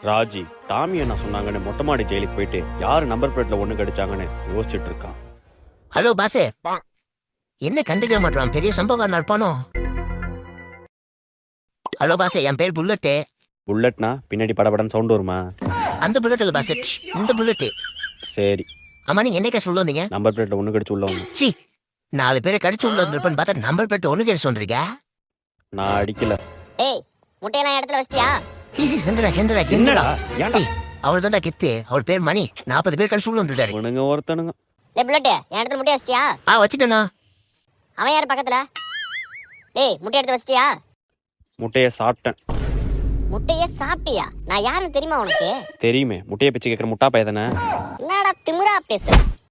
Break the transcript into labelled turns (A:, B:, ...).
A: Raji Tommy என்ன சொன்னாங்கன்னு மொட்டை மாடி ஜெயிலுக்கு போயிட்டு யாரு நம்பர் பிளேட்ல ஒண்ணு கடிச்சாங்கன்னு யோசிச்சுட்டு இருக்கான்.
B: ஹலோ பாசே, என்ன கண்டுக்க மாட்டான், பெரிய சம்பவம் இருப்பானோ? ஹலோ பாசே, என் பேர் புல்லட்டு.
A: புல்லட்னா பின்னாடி படபடன்னு சவுண்ட் வருமா?
B: அந்த புல்லட் இல்ல பாசே, இந்த புல்லட்டு.
A: சரி,
B: ஆமா, நீங்க என்ன கேஸ் உள்ள வந்தீங்க?
A: நம்பர் பிளேட்ல ஒண்ணு கடிச்சு உள்ள வந்து.
B: சி, 4 பேரை கடிச்சு உள்ள வந்திருப்பேன்னு பார்த்தா நம்பர் பிளேட் ஒண்ணு கேஸ் சொல்றீங்க.
A: நான் அடிக்கல.
C: ஏய், முட்டையெல்லாம் இடத்துல வச்சிட்டியா?
B: ஹெந்திரா ஹெந்திரா ஹெந்திரா,
A: என்னடா ஏன்டா
B: அவர் தான்டா கெத்து. அவர் பேர் மணி. 40 பேர் கடிச்சு உள்ள வந்துட்டாரு.
A: உனங்க ஒருத்தனுங்க.
C: டேய் புல்லட், என் இடத்துல முட்டைய வச்சிட்டியா?
B: வச்சுட்டேண்ணா.
C: அவன் யார் பக்கத்துல? டேய், முட்டை எடுத்து வச்சிட்டியா?
A: முட்டைய சாப்பிட்டேன்.
C: முட்டையே சாப்பிட்டியா? நான் யாருன்னு தெரியுமா உனக்கு?
A: தெரியுமே, முட்டைய பிச்சு கேட்கிற முட்டா பையதானே.
C: என்னடா திமிரா பேசுற?